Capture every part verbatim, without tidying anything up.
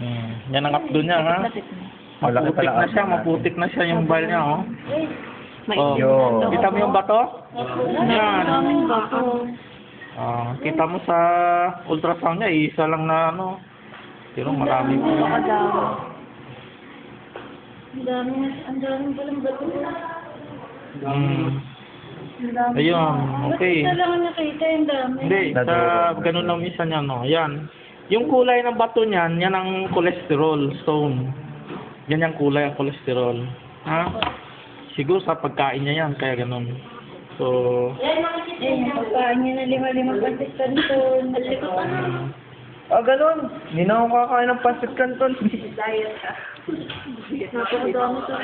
Hmm. Yan ang updo niya, ha? Lapit na. Maputik Malaki pala na siya, updo maputik na siya yung bile niya, oh. May Oh. Yo. Kita mo yung bato? Yan. daming bato. Ah, kita mo sa ultrasound niya, isa lang na ano. Pero marami po. Baka dami. Ang dami, ang dami palang bato. Hmm. Ang dami. Ayun, okay. Ba't isa lang ang nakita yung dami? Hindi, sa ganun lang isa niya, no. Yan. Yung kulay ng bato niyan, yan ang cholesterol stone. Yan yung kulay ang cholesterol. Ha? Siguro sa pagkain niya yan, kaya ganun. So, Eh, yung pagkain niya na lima-lima pasis kanton. Malikot na. Ah, ganun. Hindi na ako kakain ng pancit canton. Diet ka. Napakadami to.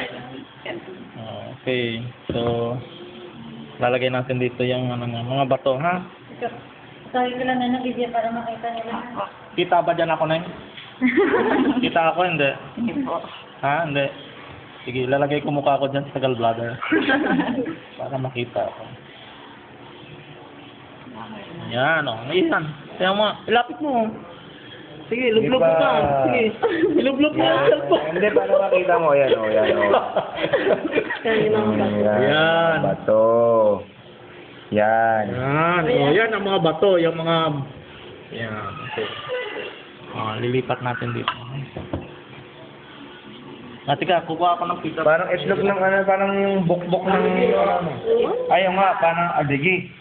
okay. So, lalagay natin dito yung ano, nga, mga bato, ha? Sabi ko lang na ng video para makita nila. Kita ba dyan ako na Kita ako, hindi. Hindi po. Ha? Hindi. Sige, lalagay ko mukha ko dyan sa gallbladder. Para makita ako. Yan, o. Oh. Ayan. Kaya mo, ilapit mo. Sige, ilublog mo ka. Sige, ilublog mo ang cellphone. Hindi, para makita mo. Yan, o. Yan, o. Kaya lang Mm, bato. Yan. Bato. Yan. Yan. O, yan ang mga bato. Yung mga... Yan. Okay. O, lilipat natin dito. Ah, tika, kukuha ako ng pita. Parang itlog ng ano, parang yung bukbok ng ano. Ayaw nga, parang adigi.